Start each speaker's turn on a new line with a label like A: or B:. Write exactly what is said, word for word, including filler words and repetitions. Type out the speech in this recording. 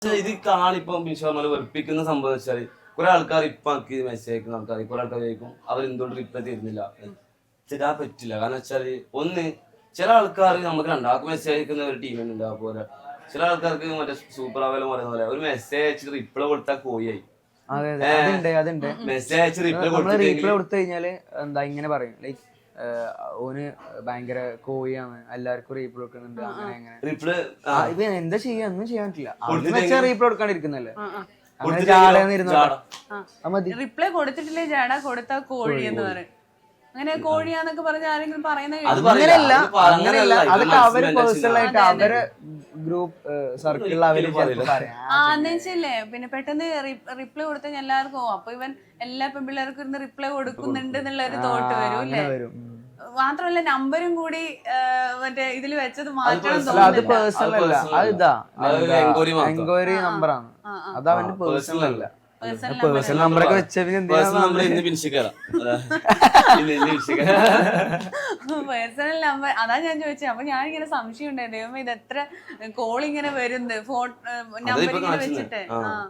A: ഇത് കാണിപ്പം ബിൻഷാർമാരെ വെറുപ്പിക്കുന്ന സംഭവം വെച്ചാല് കുറെ ആൾക്കാർ ഇപ്പൊ ആക്കി മെസ്സേജ് അയക്കുന്ന ആൾക്കാർ കുറെ ആൾക്കാർ ചോദിക്കും അവർ എന്തുകൊണ്ട് റിപ്ലൈ തരുന്നില്ല. തരാൻ പറ്റില്ല. കാരണം വെച്ചാല് ഒന്ന് ചില ആൾക്കാർ നമുക്ക് രണ്ടാൾക്ക് മെസ്സേജ് അയക്കുന്ന ഒരു ടീമുണ്ട്. അതുപോലെ ചില ആൾക്കാർക്ക് മറ്റേ സൂപ്പർ അവലം പറയുന്ന പോലെ ഒരു മെസ്സേജ് അയച്ചിട്ട് റിപ്ലൈ കൊടുത്താൽ കോയായി. മെസ്സേജ് അയച്ച് റിപ്ലൈ
B: റിപ്ലൈ കൊടുത്തു കഴിഞ്ഞാല് എന്താ ഇങ്ങനെ പറയും ലൈക്ക് ഓന് ഭയങ്കര കോഴിയാണ്, എല്ലാവർക്കും റീപ്ലൈ കൊടുക്കുന്നുണ്ട്, അങ്ങനെ അങ്ങനെ
A: റിപ്ലൈ
B: ഇപ്പൊ എന്താ ചെയ്യാ ഒന്നും ചെയ്യാൻ പറ്റില്ല. റീപ്ലൈ കൊടുക്കാണ്ടിരിക്കുന്നല്ലേ, അങ്ങനെ ജാടന്നിരുന്നോ
C: റിപ്ലൈ കൊടുത്തിട്ടില്ലേ ജാട കൊടുത്ത കോഴി എന്ന് പറയും. അങ്ങനെ കോഴിയാന്നൊക്കെ പറഞ്ഞ ആരെങ്കിലും പറയുന്നത്
B: അങ്ങനെയല്ല അങ്ങനെയല്ല അതൊക്കെ അവര് പേഴ്സണൽ ആയിട്ട് അവരെ ഗ്രൂപ്പ് സർക്കിളിൽ അവര് പറയാം.
C: ആ എന്നുവെച്ചല്ലേ പിന്നെ പെട്ടെന്ന് റിപ്ലൈ കൊടുത്താൽ എല്ലാവർക്കും അപ്പൊ ഇവൻ എല്ലാ പെൺപിള്ളേർക്കും ഇരുന്ന് റിപ്ലൈ കൊടുക്കുന്നുണ്ട് എന്നുള്ള ഒരു തോട്ട് വരും അല്ലേ. മാത്രമല്ല നമ്പരും കൂടി മറ്റേ ഇതിൽ വെച്ചത് മാറ്റണം.
B: അത് പേഴ്സണൽ അല്ല, അത് ഇതാ എൻക്വയറി നമ്പറാണ്, അത് അവന്റെ പേഴ്സണൽ അല്ല. പേഴ്സണൽ നമ്പറൊക്കെ വെച്ചാൽ
C: പേഴ്സണൽ നമ്പർ അതാ ഞാൻ ചോദിച്ചത്. അപ്പൊ ഞാനിങ്ങനെ സംശയം ഉണ്ടായിരുന്നു, ദൈവമേ ഇത് എത്ര കോൾ ഇങ്ങനെ വരുന്നത് ഫോൺ നമ്പർ ഇങ്ങനെ വെച്ചിട്ട്. ആ